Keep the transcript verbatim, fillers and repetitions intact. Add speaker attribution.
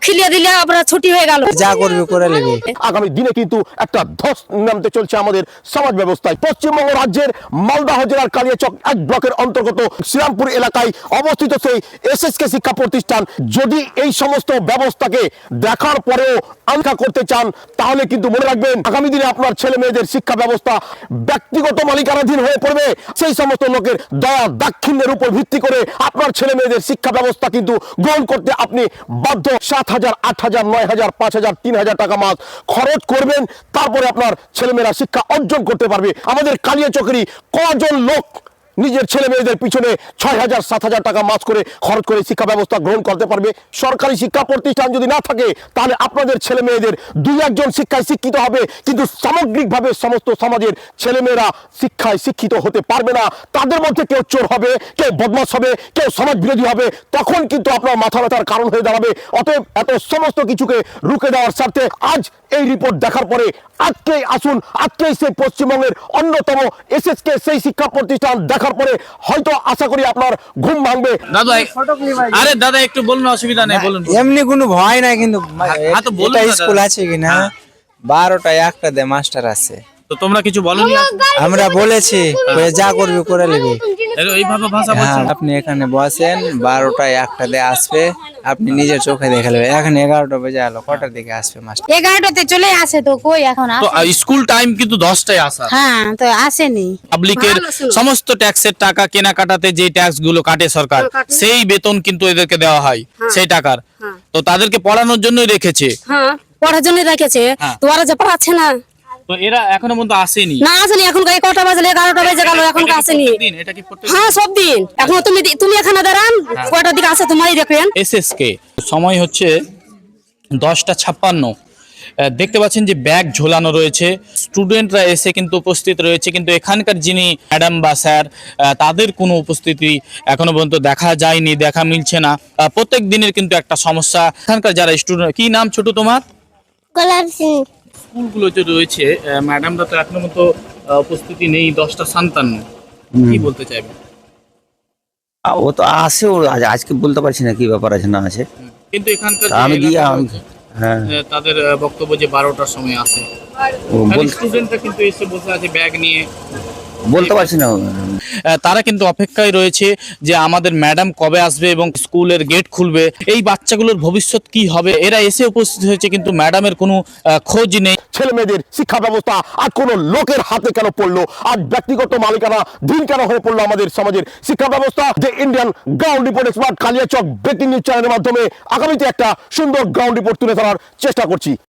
Speaker 1: খিলিয়ে দিলে আমরা ছুটি হয়ে গেল,
Speaker 2: যা করবে করে নেবে।
Speaker 3: আগামী দিনে কিন্তু একটা ধস নামতে চলছে আমাদের সমাজ ব্যবস্থায়। পশ্চিমবঙ্গ রাজ্যের মালদহ জেলার কালিয়াচক এক ব্লকের অন্তর্গত শ্রীরামপুর এলাকায় অবস্থিত সেই এসএসকে শিক্ষা প্রতিষ্ঠান যদি এই সমস্ত ব্যবস্থাকে দেখার পরেও আনকা করতে চান তাহলে কিন্তু মনে রাখবেন আগামী দিনে আপনার ছেলে মেয়েদের শিক্ষা ব্যবস্থা ব্যক্তিগত মালিকানাধীন হয়ে পড়বে। সেই সমস্ত লোকের দয়া দাক্ষিণ্যের উপর ভিত্তি করে আপনার ছেলে মেয়েদের শিক্ষা ব্যবস্থা কিন্তু গ্রহণ করতে আপনি বাধ্য। সাত হাজার আট হাজার নয় হাজার পাঁচ হাজার তিন হাজার টাকা মাস খরচ করবেন, তারপরে আপনার ছেলেমেয়েরা শিক্ষা অর্জন করতে পারবে। আমাদের কালিয়াচকেরই কজন লোক নিজের ছেলে মেয়েদের পিছনে ছয় হাজার সাত হাজার টাকা মাস করে খরচ করে শিক্ষা ব্যবস্থা গ্রহণ করতে পারবে। সরকারি শিক্ষা প্রতিষ্ঠান যদি না থাকে তাহলে আপনাদের ছেলে মেয়েদের দুই একজন শিক্ষায় শিক্ষিত হবে, কিন্তু সামগ্রিকভাবে সমস্ত সমাজের ছেলেমেয়েরা শিক্ষায় শিক্ষিত হতে পারবে না। তাদের মধ্যে কেউ চোর হবে, কেউ বদমাশ হবে, কেউ সমাজ বিরোধী হবে, তখন কিন্তু আপনার মাথা ব্যথার কারণ হয়ে দাঁড়াবে। অতএব এত সমস্ত কিছুকে রুখে দেওয়ার স্বার্থে আজ এই রিপোর্ট দেখার পরে আজকেই আসুন, আজকেই সেই পশ্চিমবঙ্গের অন্যতম এসএসকে সেই শিক্ষা প্রতিষ্ঠান দেখার পরে হয়তো আশা করি আপনার ঘুম ভাঙবে।
Speaker 4: দাদা আরে দাদা একটু বলুন, অসুবিধা নেই বলুন।
Speaker 2: এমনি কোনো ভয় নাই, কিন্তু
Speaker 4: হ্যাঁ তো বলুন
Speaker 2: এটা
Speaker 4: না
Speaker 2: স্কুল
Speaker 4: দাদা।
Speaker 2: আছে কিনা বারোটা একটা দে মাস্টার আছে,
Speaker 4: তো তোমরা কিছু বলনি?
Speaker 2: আমরা বলেছি বলে যা করবে করে নেবে।
Speaker 4: এইভাবে ভাষা
Speaker 2: হ্যাঁ,
Speaker 4: বলছেন?
Speaker 2: আপনি এখানে বসেন, বারোটায় একটা দিয়ে আসবে, আপনি নিজের চোখে দেখে নেবেন। এখন এগারোটা বেজে গেল, কটার দিকে আসবে মাস্টার?
Speaker 1: এগারোটাতে চলে আসে তো কই এখন
Speaker 4: তো
Speaker 1: আসে?
Speaker 4: স্কুল টাইম কিন্তু দশটায় আসা।
Speaker 1: হ্যাঁ তো আসেনি।
Speaker 4: পাবলিকের
Speaker 1: ভালো ছিল।
Speaker 4: সমস্ত ট্যাক্সের টাকা কেনাকাটাতে যে ট্যাক্স গুলো কাটে সরকার,
Speaker 1: কাটে।
Speaker 4: সেই বেতন কিন্তু এদেরকে দেওয়া হয় সেই টাকার। তো তাদেরকে পড়ানোর জন্যই রেখেছে।
Speaker 1: হ্যাঁ পড়ার জন্য রেখেছে,
Speaker 4: হ্যাঁ।
Speaker 1: তো ওরা যে পড়াচ্ছে না,
Speaker 4: তো এরা এখনো পর্যন্ত আসেনি।
Speaker 1: না আসেনি। এখন এই কটা বাজলে এগারোটা বেজে গেল, এখন
Speaker 4: এটা কি
Speaker 1: আসেনি।
Speaker 4: প্রত্যেকদিন? এটা কি প্রত্যেক
Speaker 1: হ্যাঁ সব দিন। এখন তুমি তুমি এখানে দাঁড়ান, কয়টার দিকে আসে তোমারই দেখবেন।
Speaker 4: এসএসকে সময় হচ্ছে দশটা ছাপ্পান্ন। আহ, দেখতে পাচ্ছেন যে ব্যাগ ঝোলানো রয়েছে, স্টুডেন্টরা এসে কিন্তু উপস্থিত রয়েছে, কিন্তু এখানকার যিনি ম্যাডাম বা স্যার আহ, তাদের কোনো উপস্থিতি এখনো পর্যন্ত দেখা যায়নি, দেখা মিলছে না। আহ, প্রত্যেক দিনের কিন্তু একটা সমস্যা। এখানকার যারা স্টুডেন্ট, কি নাম ছোট তোমার? স্কুলগুলো যে রয়েছে ম্যাডামরা তো এখনো পর্যন্ত আহ, উপস্থিতি নেই। দশটা সান্তান্ন, কি বলতে চাইবে?
Speaker 5: আ, ও তো আসে, ও আজ আজকে বলতে পারছি না কি ব্যাপার আছে না আছে।
Speaker 4: কিন্তু এখানকার
Speaker 5: তা
Speaker 4: যে
Speaker 5: আমি গিয়ে
Speaker 4: এলাকা
Speaker 5: আমি
Speaker 4: রয়েছে,
Speaker 5: হ্যাঁ
Speaker 4: আহ, তাদের আহ, বক্তব্য যে বারোটার সময় আসে।
Speaker 5: ও বল-
Speaker 4: স্টুডেন্টরা কিন্তু এসে বসে আছে ব্যাগ নিয়ে।
Speaker 5: বলতে পারছি না।
Speaker 4: আহ, তারা কিন্তু অপেক্ষায় রয়েছে যে আমাদের ম্যাডাম কবে আসবে এবং স্কুলের গেট খুলবে। এই বাচ্চাগুলোর ভবিষ্যৎ কি হবে? এরা এসে উপস্থিত হয়েছে কিন্তু ম্যাডামের কোনো আহ, খোঁজ নেই।
Speaker 3: ছেলে মেয়েদের শিক্ষা ব্যবস্থা আজ কোনো লোকের হাতে কেন পড়লো? আজ ব্যক্তিগত মালিকানা দিন কেন হয়ে পড়লো আমাদের সমাজের শিক্ষা ব্যবস্থা? যে Indian ground report expert Kaliachak breaking news চ্যানেলের মাধ্যমে আগামীতে একটা সুন্দর গ্রাউন্ড রিপোর্ট তুলে ধরার চেষ্টা করছি।